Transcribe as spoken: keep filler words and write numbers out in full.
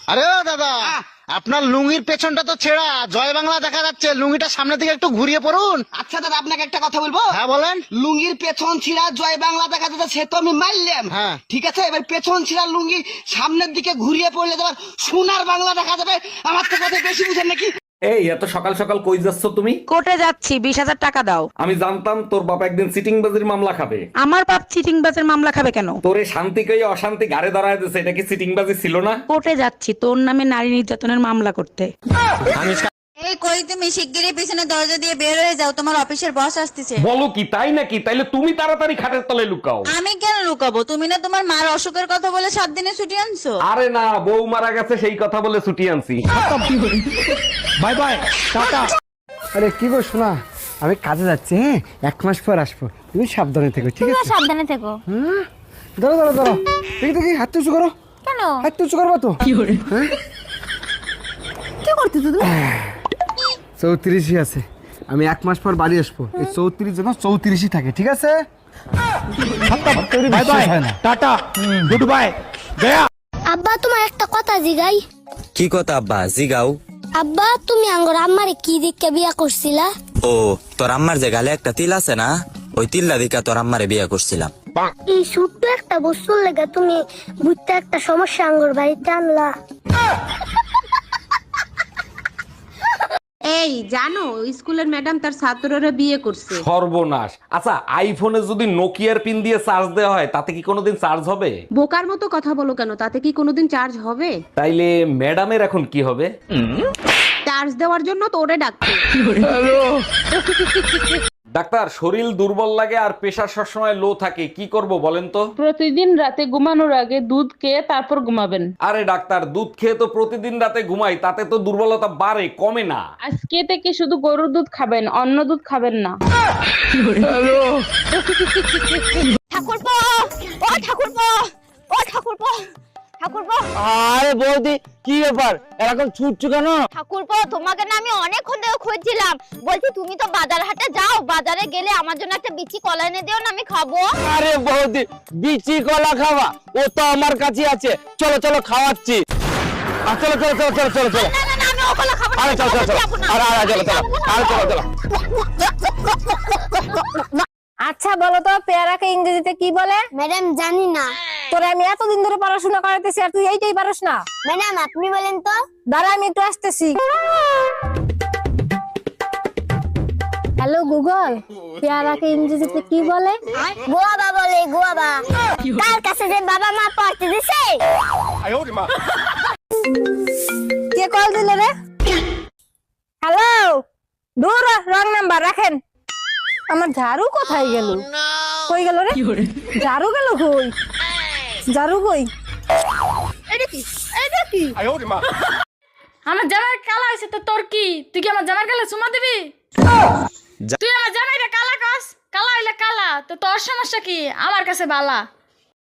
আরে ও দাদা, আপনার লুঙ্গির পেছনটা তো ছেঁড়া, জয় বাংলা দেখা যাচ্ছে, লুঙ্গিটা সামনের দিকে একটু ঘুরিয়ে পড়ুন। আচ্ছা দাদা, আপনাকে একটা কথা বলবো। হ্যাঁ বলেন। লুঙ্গির পেছন ছিঁড়া জয় বাংলা দেখা যাচ্ছে, সে তো আমি মারলাম। হ্যাঁ। ঠিক আছে, এবার পেছন ছিঁড়া লুঙ্গি সামনের দিকে ঘুরিয়ে পড়লে তোমার সোনার বাংলা দেখা যাবে। আমার তো কথা বেশি বুঝেন নাকি? এই এত সকাল সকাল কই যাচ্ছ তুমি? কোর্টে যাচ্ছি, বিশ হাজার টাকা দাও। আমি জানতাম তোর বাবা একদিন সিটিং বাজির মামলা খাবে। আমার বাপ চিটিং বাজের মামলা খাবে কেন? তোরে শান্তি কই অশান্তি গাড়ে দাঁড়ায় দিছে, এটা কি সিটিং বাজি ছিল না? কোর্টে যাচ্ছি তোর নামে নারী নির্যাতনের মামলা করতে। এই কই তুমি শিগগিরই পিছনে দরজা দিয়ে বের হয়ে যাও, তোমার অফিসের বস আসতেছে। বলো কি তাই নাকি? তাইলে তুমি তাড়াতাড়ি খাটের তলে লুকাও। আমি কেন লুকাবো? তুমি না তোমার মার অসুখের কথা বলে সাত দিনে ছুটি আনছো। আরে না, বউ মারা গেছে সেই কথা বলে ছুটি আনছি। Bye bye, tata. আরে কি গো শোনা, আমি কাজে যাচ্ছি, হ্যাঁ এক মাস পর আসবো, তুমি সাবধানে থেকো, ঠিক আছে? সাবধানে থেকো। হ্যাঁ, ধরো ধরো ধরো, দেখি দেখি, হাত উঁচু করো। কেন? হাত উঁচু করবো তো। কি করতে তুমি? চৌত্রিশই আছে, আমি এক মাস পর বাড়ি আসবো, এই চৌত্রিশ যেন চৌত্রিশই থাকে, ঠিক আছে? Bye bye, tata, good bye, গয়া। আব্বা তোমার একটা কথা জিগাই। কি কথা আব্বা? জিগাও। আব্বা তুমি আঙ্গর আম্মারে কি দিকে বিয়া করছিলা? ও তোর আম্মার যে গালে একটা তিল আছে না, ওই তিল্লা দিকা তোর আম্মারে বিয়ে করছিলাম। এই ছোট্ট একটা বস্তুর লেগে তুমি বুঝতে একটা সমস্যা আঙ্গর বাড়িতে আনলা। এই জানো, স্কুলের ম্যাডাম তার ছাত্ররা বিয়ে করছে। সর্বনাশ। আচ্ছা, আইফোনে যদি নোকিয়ার পিন দিয়ে চার্জ দেওয়া হয় তাতে কি কোনোদিন চার্জ হবে? বোকার মতো কথা বলো কেন, তাতে কি কোনোদিন চার্জ হবে? তাইলে ম্যাডামের এখন কি হবে? চার্জ দেওয়ার জন্য তো ওরে ডাকছে। ডাক্তার, শরীর দুর্বল লাগে আর প্রেশার সবসময় লো থাকে, কি করব বলেন তো? প্রতিদিন রাতে ঘুমানোর আগে দুধ খেয়ে তারপর ঘুমাবেন। আরে ডাক্তার, দুধ খেয়ে তো প্রতিদিন রাতে ঘুমাই, তাতে তো দুর্বলতা বাড়ে কমে না। আজকে থেকে শুধু গরুর দুধ খাবেন, অন্য দুধ খাবেন না। ঠাকুরপো, ও ঠাকুরপো, ও ঠাকুরপো, ঠাকুরপো। আরে বৌদি, কি ব্যাপার এরকম ছুটছো কেন? ঠাকুরপো তোমাকে না আমি অনেকক্ষণ ধরে খুঁজছিলাম, বলছি তুমি তো বাজার হাটে যাও, বাজারে গেলে আমার জন্য একটা বিচি কলা এনে দিও না, আমি খাবো। আরে বৌদি, বিচি কলা খাওয়া ও তো আমার কাছে আছে, চলো চলো খাওয়াচ্ছি। আ, চলো চলো চলো চলো চলো চলো। না না না, আমি ও কলা খাবো না। আরে চলো চলো চলো, আরে আরে চলো চলো, আরে চলো চলো। আচ্ছা বলো তো, পেয়ারাকে ইংরেজিতে কি বলে? ম্যাডাম জানি না। তোরে আমি এতদিন ধরে পড়াশোনা করাতেছি আর তুই এইটাই পারস না? ম্যাডাম আপনি বলেন তো। দাঁড়া আমি একটু আসতেছি। হ্যালো গুগল, পেয়ারাকে ইংরেজিতে কি বলে? গোয়াবা বলে, গোয়াবা। কার কাছে যে বাবা মা পড়তে দিছে? কে কল দিলে রে? হ্যালো, দূর রং নাম্বার রাখেন। আমার ঝাড়ু কোথায় গেল? কই গেল রে? ঝাড়ু গেল কই? ঝাড়ু কই? এটা কি? এটা কি? আমার জামাই কালা হয়েছে তো তোর কি? তুই কি আমার জামাই কালা চুমা দিবি? তুই আমার জামাইটা কালা কাস, কালা হইলে কালা তো তোর সমস্যা কি? আমার কাছে বালা।